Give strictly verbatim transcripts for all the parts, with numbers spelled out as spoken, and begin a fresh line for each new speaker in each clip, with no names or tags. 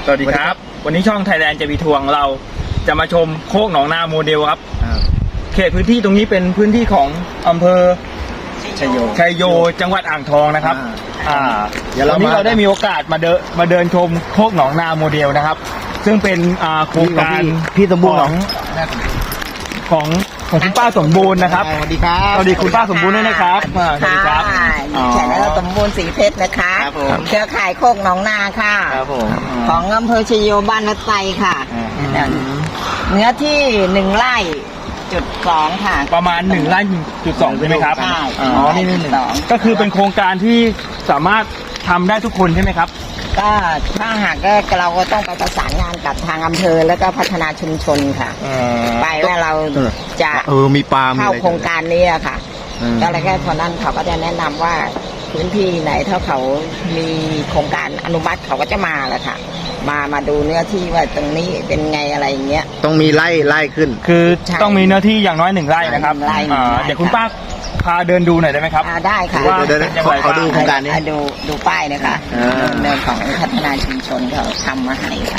สวัสดีครับวันนี้ช่อง Thailand จะมีทวงเราจะมาชมโคกหนองนาโมเดลครับเขตพื้นที่ตรงนี้เป็นพื้นที่ของอำเภอชัยโยชัยโยจังหวัดอ่างทองนะครับอ่าวันนี้เราได้มีโอกาสมาเดินมาเดินชมโคกหนองนาโมเดลนะครับซึ่งเป็นอ่าโครงการพี่สมบูรณ์ของของของคุณป้าสมบูรณ์นะครับ
สวัสดีครับ
สวัสดีคุณป้าสมบูรณ์ด้วยนะครับสวัสดีครับ
แขกแล้วสมบูรณ์สีเพชรนะคะเครือข่ายโคกหนองนาค่ะของอำเภอชัยโยบ้านวัดไซค่ะเนื้อที่หนึ่งไร่จุดสองค่ะ
ประมาณหนึ่งไร่จุดสองใช่ไหมครับ
ใช่
อ๋อนี่นี่หนึ่งก็คือเป็นโครงการที่สามารถทำได้ทุกคนใช่ไหมครับ
ก็ถ้าหากเราก็ต้องไปประสานงานกับทางอำเภอแล้วก็พัฒนาชุมชนค่ะไปว่าเราจะ
เออมีปาล์ม
เข้าโครงการนี้ค่ะก็เลยแค่พอนั้นเขาก็จะแนะนำว่าพื้นที่ไหนถ้าเขามีโครงการอนุมัติเขาก็จะมาแหละค่ะมามาดูเนื้อที่ว่าตรงนี้เป็นไงอะไรอย่างเงี้ย
ต้องมีไร่ไร่ขึ้น
คือต้องมีเนื้อที่อย่างน้อยหนึ่งไร่นะครับเดี๋ยวคุณป้าพาเดินดูหน่อยได้ไหมครับ
ได้ค่ะ
เดินเขาดูโครงการนี้
ดูดูป้ายนะคะเดินของพัฒนาชุมชนเขาทำมาให้ค่ะ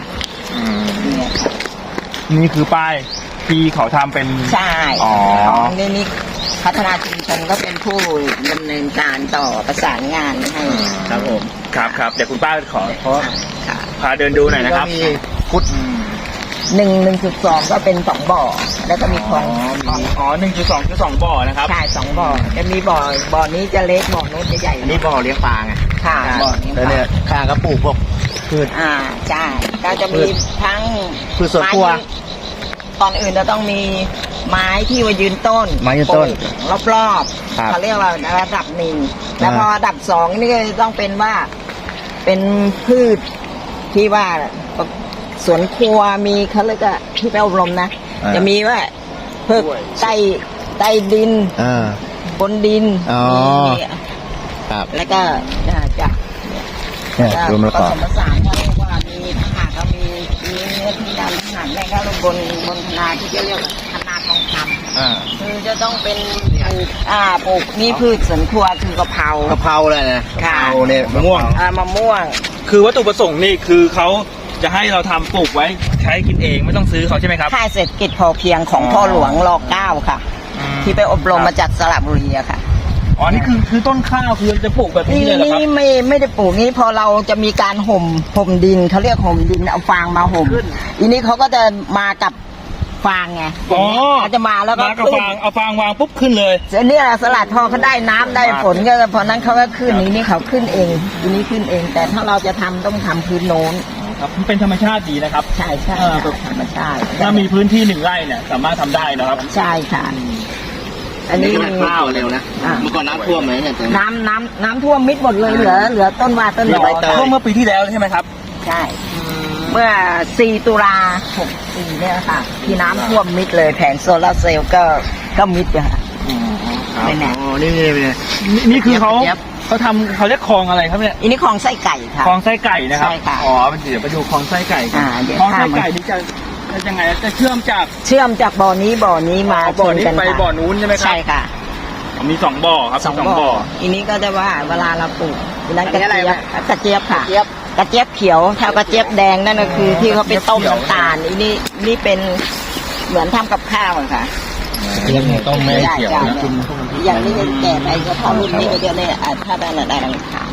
นี่คือป้ายที่เขาทำเป็น
ใช่อ๋อนี่นี่พัฒนาชุมชนก็เป็นผู้ดำเนินการต่อประสานงานให้
ครับผมครับครับเดี๋ยวคุณป้าขอพาเดินดูหน่อยนะครับ
พุทธ
หนึ่งหนึ่งจุดสองก็เป็นสองบ่อแล้วก็มีคลอง
อ๋อหนึ่งจุดสองคือสองบ่อนะครับ
ใช่สองบ่อจะมีบ่อบ่อนี้จะเล็กบ่อนู้นจะใหญ่
อันนี้บ่อเลี้ยงปลาไง
ค่ะบ่อเลี้ยงปลา
เนี่ยข้างก็ปลูกพวกพืช
อ่าใช่ก็จะมีทั้ง
พืชสวนครัว
ตอนอื่นจะต้องมีไม้ที่ว่ายืนต้น
ไม้ยืนต้น
รอบๆเขาเรียกว่าระดับหนึ่งแล้วพอระดับสองนี่ก็ต้องเป็นว่าเป็นพืชที่ว่าสวนครัวมีเขาเรียกว่าที่ไปอบรมนะจะมีว่าเพิกใต้ใต้ดินบนดิน
ครับ
แล้วก็จะ
รวมแล้วก็
ผสมผสานเขาเรียกว่ามีทหารก็มีมีเนื้อที่ดำทหารแม่ก็บนบนนาที่จะเรียกคณาทองคำคือจะต้องเป็นปลูกอ่าปลูกนี่พืชสวนครัวคือกะเพราก
ะเพราเลยนะ
กะเพรา
เนี่ยมะม่วง
อ่ามะม่วง
คือวัตถุประสงค์นี่คือเขาจะให้เราทำปลูกไว้ใช้กินเองไม่ต้องซื้อเขาใช่ไหมครับ
ค่ายเศรษฐกิจพอเพียงของพ่อหลวงรอเก้าค่ะที่ไปอบรมมาจากสระบุรีอะค่ะ
อ๋อนี่คือคือต้นข้าวคือจะปลูกแบบนี้เลยเหรอครับ
นี่ไม่ไม่ได้ปลูกนี้พอเราจะมีการห่มห่มดินเขาเรียกห่มดินเอาฟางมาห่มอีนี้เขาก็จะมากับฟางไง
อ๋อ
เขาจะมาแล้วก็
มากับฟางเอาฟางวางปุ๊บขึ้นเลย
เนี่ยสลัดพอเขาได้น้ำได้ฝนก็พอนั้นเขาก็ขึ้นนี้นี่เขาขึ้นเองอีนี้ขึ้นเอง แต่ถ้าเราจะทำต้องทำพื้นโน้น
ครับมันเป็นธรรมชาติดีนะครับ
ใช่ใช่ธรรมชาติ
ถ้ามีพื้นที่หนึ่งไร่เนี่ยสามารถทำได้นะครับ
ใช่ค่ะอันนี้
ข้าวเร็วนะเมื่อก่อนน้ำท่วมไหมเนี่ย
น้ำน้ำน้ำท่วมมิดหมดเลยเหลือเหลือต้นว่าต้นดอก
ท่วมเมื่อปีที่แล้วใช่ไหมครับ
ใช่เมื่อสี่ตุลาหกสี่เนี่ยค่ะที่น้ำท่วมมิดเลยแผงโซลาร์เซลล์ก็ก็มิดค่ะ
นี่แน่นี่นี่
นี่คือเขาเขาทำเขาเรียกคลองอะไรครับเนี่ย
อันนี้คลองไส้ไก่ค่ะ
คลองไส้ไก่นะครับ
ใช่ค่ะ
อ๋อเดี๋ยวไปดูคลองไส้ไก่กันคลองไส้ไก่นี่จะยังไงจะเชื่อมจาก
เชื่อมจากบ่อนี้บ่อนี้มา
บ่อนี้ไปบ่อนู้นใช่ไหมครับ
ใช่ค่ะ
มีสองบ่อครับ
สองบ่ออันนี้ก็จะว่าเวลาเราปลูกนั้นกระเจี๊ยบกระเจี๊ยบค่ะกระเจี๊ยบเขียวถ้ากระเจี๊ยบแดงนั่นก็คือที่เขาไปต้มน้ำตาลอันนี้นี่เป็นเหมือนทำกับข้าวค่ะ
ยังไงต้องไม่เขียวนะ
กินอย่างนี้แก่ไปก็พอรุ่นนี้ก็จะเนี่ยถ้าได้ระดับขาว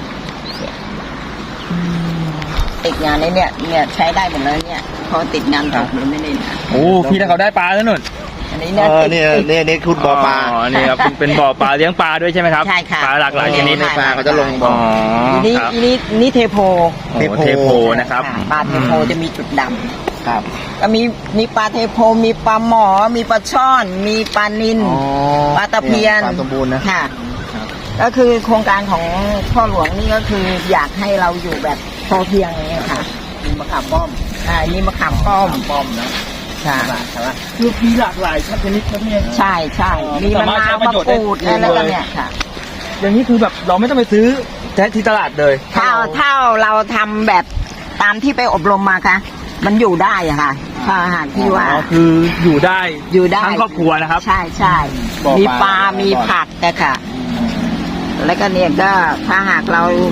ติดงานนี้เนี่ยเนี่ยใช้ได้หมดเลยเนี่ยพอติดงานตกหรือไม่ได้นะ
โอ้พี่ถ้าเขาได้ปลาแล้วนุ่น
อันนี้เนี่ย
เนี่ยเนี่ยเนี่ยคุณบ่อปลา
อ๋อนี่ครับเป็นบ่อปลาเลี้ยงปลาด้วยใช่ไหมครับ
ใช่ค่ะ
ปลาหลากหลายชนิด
ปลาเขาจะลงบ่อ
นี่นี่นี่เทโพ
เทโพนะครับ
ปลาเทโพจะมีจุดดำ
ครับ
ก็มีมีปลาเทโพมีปลาหมอมีปลาช่อนมีปลานิลปลาตะเพียน
สมบูรณ์นะ
ค่ะก็คือโครงการของพ่อหลวงนี่ก็คืออยากให้เราอยู่แบบพอเพียงเนี่ยค่ะ
มีมะขามป้อม
อ่านี่มะขามป้อม
ป้อมนะ
ใช่
ใช่ไหมคือมีหลากหลายชนิดครับเนี่ย
ใช่ใช่มีมะนาวมะกรูดอะไรกันเนี่ยค่ะ
อย่างนี้คือแบบเราไม่ต้องไปซื้อแท้ที่ตลาดเลย
ถ้าถ้าเราทำแบบตามที่ไปอบรมมาค่ะมันอยู่ได้อะค่ะถ้าหากที่ว่า
คืออยู่ได้
อยู่ได้
ทั้งครอบครัวนะครับ
ใช่ใช่มีปลามีผักแต่ค่ะแล้วก็เนี่ยก็ถ้าหากเรา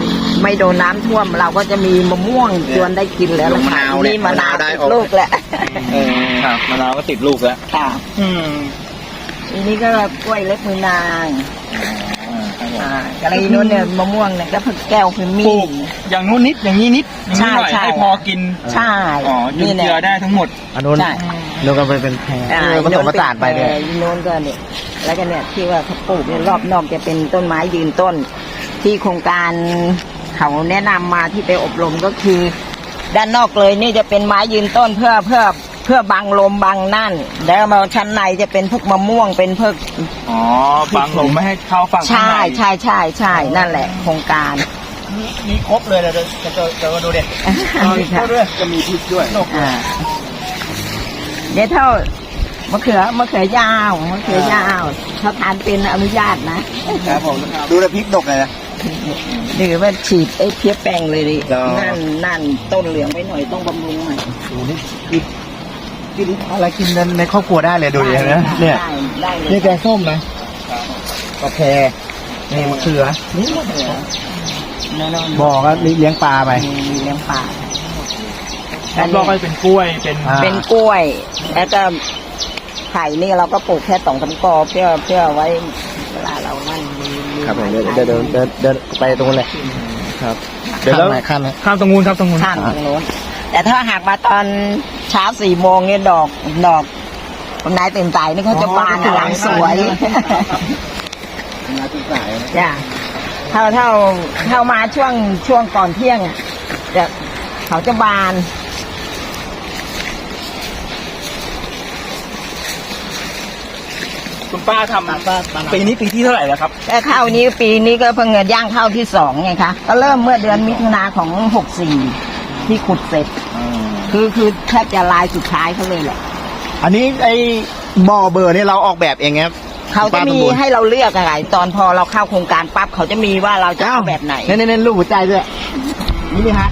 ไม่โดนน้ำท่วม เราก็จะมีมะม่วงจวนได้กินแล้ว
มะนาวเนี่ย
นี่มะนาว
มะนาวได้
ติด
ออก
ลูกแล้ว
เออครับมะนาวก็ติดลูกแล้ว
ค่ะ
อืม
อันนี้ก็กล้วยเล็บมือนาง
อ่าครับผม
อ่ากะไรนู้นเนี่ยมะม่วงเนี่ยก็ผักแก้วคือมี
ปลูกอย่างนู้นนิดอย่างนี้นิดอย่างนี้หน่อย
ใช่ใช่
ให้พอกิน
ใช่
อ๋อจุน
นี่แหละ
เจือได้ทั้งหมด
อันนู้น
ใช่
นู้นก็ไปเป็นแพร
อ่า
เออผสมผสานไปเนี่ย
อีโน้นก็เนี่ยแล้วก็เนี่ยที่ว่าเขาปลูกเนี่ยรอบนอกจะเป็นต้นไม้ยืนต้น ที่โครงการเขาแนะนำมาที่ไปอบรมก็คือ ด้านนอกเลยนี่จะเป็นไม้ยืนต้นเพื่อเพื่อเพื่อบังลมบังนั่น แล้วมาชั้นในจะเป็นพวกมะม่วงเป็นพวก
อ๋อบังลมไม่ให้เข้าฝั่งข้าง
ใช่
ใน
ใช่ใช่ใช่นั่นแหละ โครงการ
มีครบเลยนะจะจะจะมาดูเด็ก
ค่ะ
ด้วยจะมีพริกด้วย
อ่าเดี๋ยวเท่ามะเขือมะเขือยาวมะเขือยาวเขาทานเป็นอนุญาตนะครับ
ผมดูแลพริกดกเลยนะ
หรือว่าฉีดไอ้เพี้ยแป้งเลยดิ
อ๋อ
นั่นนั่นต้นเหลืองไว้หน่อยต้องบำรุงหน่อย
ดูนี่กินกินอะไรกินในในครอบครัวได้เลยดูดินะเนี่ย
ได้ได้เลย
นี่แกงส้มนะกาแฟนี่มะเขือ
นี่มะเขือนั่นๆ
บอกว่าเลี้ยงปลาไป
มีเลี้ยงปลา
แล้วก็ไปเป็นกล้วยเป็น
อ่า
เป็นกล้วย แล้วก็ไข่นี่เราก็ปลูกแค่สองสามกอเพื่อเพื่อไว้เวลาเรานั่นมีมี
ครับผมเดินเดินเดินเดินเดินไปตรงนู้นเลยครับเดี๋ยวแล้วข้ามไหม
ข้ามตรงนู้นครับตรงนู้น
ข้ามตรงโน้นแต่ถ้าหากมาตอนเช้าสี่โมงเนี่ยดอกดอกคนนายตื่นสายนี่เขาจะบานอลังสวย
มาที่สาย
จ้ะเท่าเท่าเท่ามาช่วงช่วงก่อนเที่ยงอ่ะจะเขาจะบาน
คุณป้าทำปีนี้ปีที่เท่าไหร่แล้วครับ
แต่ข้าวนี้ปีนี้ก็เพิ่งจะย่างข้าวที่สองไงคะก็เริ่มเมื่อเดือนมิถุนาของหกสี่ที่ขุดเสร็จ คือคือแทบจะลายสุดท้ายเขาเลยแหละ
อันนี้ไอ้บ่อเบอร์นี่เราออกแบบเองครับ
เขาจะมีให้เราเลือกอะไรตอนพอเราเข้าโครงการปั๊บเขาจะมีว่าเราจะเอาแบบไหน
เน้นเน้นรูปหัวใจด้วยนี่นี่ฮะ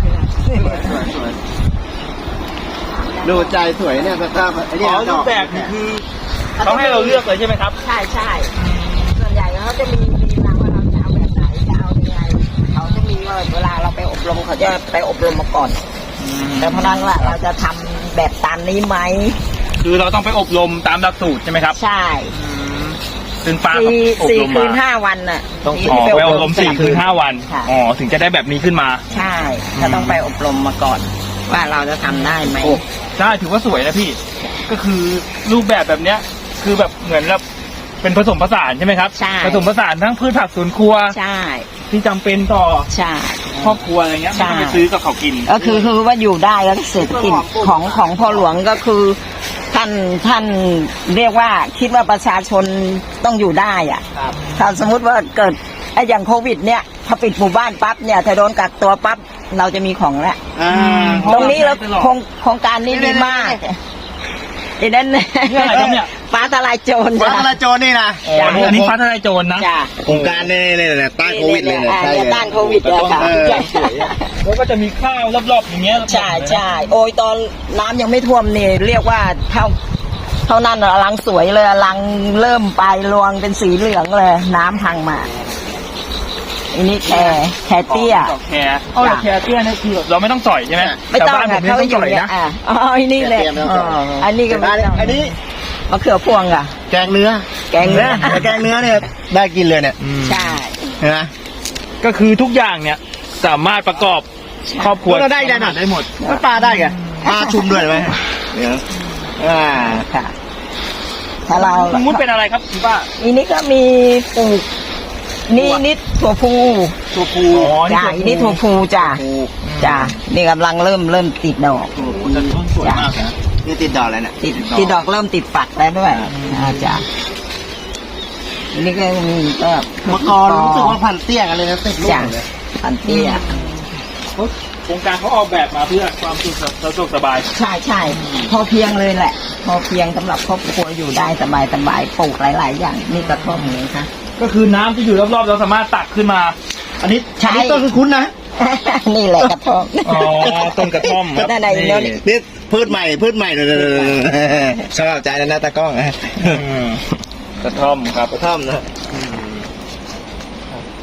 ดูใจสวยเนี่ยถ้าไอ้
อ๋
เนี่ย
อรูปแบบนี่คือเขาให้เราเลือกเลยใช่ไหมครับ
ใช่ใช่ส่วนใหญ่เขาจะมีมีนะว่าเราจะเอาแบบไหนจะเอายังไงเขาจะมีว่าเวลาเราไปอบรมเขาจะไปอบรมมาก่อน แต่เพราะนั้นว่าเราจะทำแบบตามนี้ไหม
คือเราต้องไปอบรมตามหลักสูตรใช่ไหมครับ
ใช่
ซึ่งป้าก็
สี่
อบ
สี่
รม
คื
มาน
ห้าวันน่ะ
ต้อง
ที่
อ๋อ
ไป
ไปอบรมสี่คืนห้าวัน
ค่ะ
อ๋อถึงจะได้แบบนี้ขึ้นมา
ใช่ถ้าต้องไปอบรมมาก่อน ว่าเราจะทำได้ไหม
โอ้ใช่ถือว่าสวยนะพี่ ก็คือรูปแบบแบบเนี้ย คือแบบเหมือนแบบเป็นผสมผสานใช่ไหมครับ
ใช่
ผสมผสานทั้งพืชผักสวนครัว
ใช่
ที่จำเป็นต่อ
ใช่
ครอบครัวอะไรเงี้ย
ใช่
ไม่ต้องไปซื้อกับเขากิน
ก็คือคือว่าอยู่ได้แล้วเศรษฐกิจของของพ่อหลวงก็คือท่านท่านเรียกว่าคิดว่าประชาชนต้องอยู่ได้อ่ะถ้าสมมุติว่าเกิดไอ้อย่างโควิดเนี่ยพอปิดหมู่บ้านปั๊บเนี่ยถ้าโดนกักตัวปั๊บเราจะมีของแล้ว
อ่า
ตรงนี้แล้วโครงโครงการนี้ดีมากไอ้นั่น
เรื่องอะไรครับเนี่ย
ฟ้าทลายโจร
ฟ้า
จ้ะ
ทลายโจรนี่นะ
เออ
อันนี้อันนี้ฟ้าทลายโจรนะ
จ้ะ
โครงการนี่เลยเนี่ยต้านโควิดเลยเนี่ย
อ่า
ใช่เลย
ต้านโควิดเลยค่ะ
เออ
แล้วก็จะมีข้าวรอบๆอย่างเงี้ย
ใช่ใช่โอ้ยตอนน้ำยังไม่ท่วมนี่เรียกว่าเท่าเท่านั้นอะลังสวยเลยลังเริ่มไปรวงเป็นสีเหลืองเลย น้ำพังมาอันนี้แคร์แคร์เตี้ย
ดอกแคร์อ๋อดอกแคร์เตี้ยนี่คือเราไม่ต้องสอยใช่ไหม
ไม่ต้อง
แต่บ้านผ
ค่ะ
มนี่
เขา
ต้อง
อ
ส
ยู่
อย
เนี่ย
นะ
อ่ะอ๋ออันนี้แหละ
เตรียมแล้ว
อ๋ออันนี้ก็ไม่ต้อง
อันนี้
มะเขือพวงค่ะ
แกงเนื้อ
แกงเนื้อ
แกงเนื้อเนี่ยได้กินเลยเนี่ย
ใช่
เห็นไหม
ก็คือทุกอย่างเนี่ยสามารถประกอบครอบครัว
เราได้ได้หน่อย
ได้หมด
มันปลาได้ไงปลาชุมด้วยไหมเดี๋ยวอ่า
ค่ะ ถ้าเรา
สมมติเป็นอะไรครับคุณป้า
อันนี้ก็มีปลูกนี่นิดถั่วพู
ตัวภูอ๋อ
จ้าอันนี้ถั่วพูจ้าจ้านี่กำลังเริ่มเริ่มติดดอก
จะต้นสวยมากนะ
นี่ติดดอกแล้วเนี่ย
ติดติดดอกเริ่มติดฝักแล้วด้วยอ่าจ้าอันนี้ก็มีก็
มะกรรู้สึกว่าพันเตี้ยกันเลยนะติดลูก
จ้า
เลย
พันเตี้ย
โครงการเขาออกแบบมาเพื่อความสุขสะดวกสบาย
ใช่ใช่พอเพียงเลยแหละ พอเพียงสำหรับครอบครัวอยู่ได้สบายสบายปลูกหลาย ๆ อย่างนี่กระท่อมเลยค่ะ
ก็คือน้ำที่อยู่รอบๆเราสามารถตักขึ้นมา
อันนี้
ใช่
อันนี้ต้นคุ้นๆนะ
นี่แหละกระท่อม
อ๋อต้นกระท่อมครับ
นั่นน่ะอีกแล้วนี่
นี่พืชใหม่พืชใหม่เลยชอบใจแล้วนะตากล้อง
อืมกระท่อมครับ
กระท่อมนะ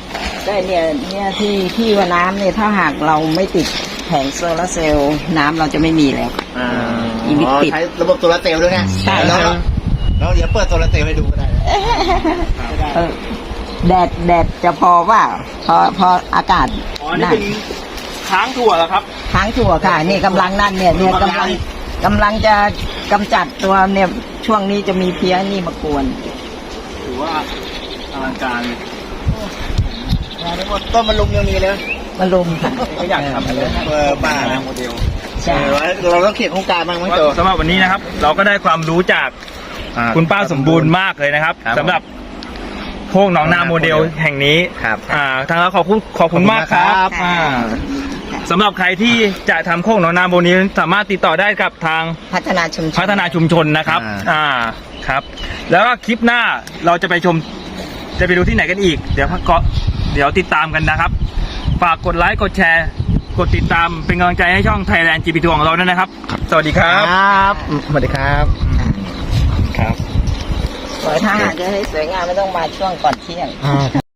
ได้เนี่ยเนี่ยที่ที่ว่าน้ำเนี่ยถ้าหากเราไม่ติดแผงโซลาร์เซลล์น้ำเราจะไม่มีแล้ว
อ่า
อีวิปิด
ใช้ระบบโซลาร์เซลล์ด้วยไง
ใช่
แล้วแล้วเดี๋ยวเปิดโซลาร์เซลล์ให้ดูก็ได้
เออแดดแดดจะพอว่าพอพออากาศ
อ๋อ นี่เป็นค้างถั่วแล้วครับ
ค้างถั่วค่ะนี่กำลังนั่นเนี่ยเนี่ยกำลังกำลังจะกำจัดตัวเนี่ยช่วงนี้จะมีเพี้ยนี่มากวน
ถือว่าอลังการเลย
ต้นมะลุมยังมีเลย
มาลุมค่ะ
ก็อยากทำเลย
เออบ้า
โมเดล
ใช่
เราต้องเขียนโครงการบ้างมั้งโจ
สำหรับวันนี้นะครับ เราก็ได้ความรู้จากคุณป้าสมบูรณ์มากเลยนะครับ
ครับ
สำหรับโคกหนองนาโมเดลแห่งนี้
ครับ
อ่าทางเราขอบคุณขอบคุณมากครับ
ขอบคุณครับ
อ่าสำหรับใครที่จะทำโคกหนองนาโมเดลสามารถติดต่อได้กับทาง
พัฒนาชุมชน
พัฒนาชุมชนนะครับ
อ่า
อ่าครับ แล้วก็คลิปหน้าเราจะไปชมจะไปดูที่ไหนกันอีก เดี๋ยวก็เดี๋ยวติดตามกันนะครับ ฝากกดไลค์กดแชร์ กดติดตามเป็นกำลังใจให้ช่อง Thailand จี พี ทัวร์ของเราด้วยนะครับ สวัสดีครับ
ครับสวัสดีครับ
ครับ
สวยถ้าหากจะให้สวยงามไม่ต้องมาช่วงก่อนเที่ยง
อ่า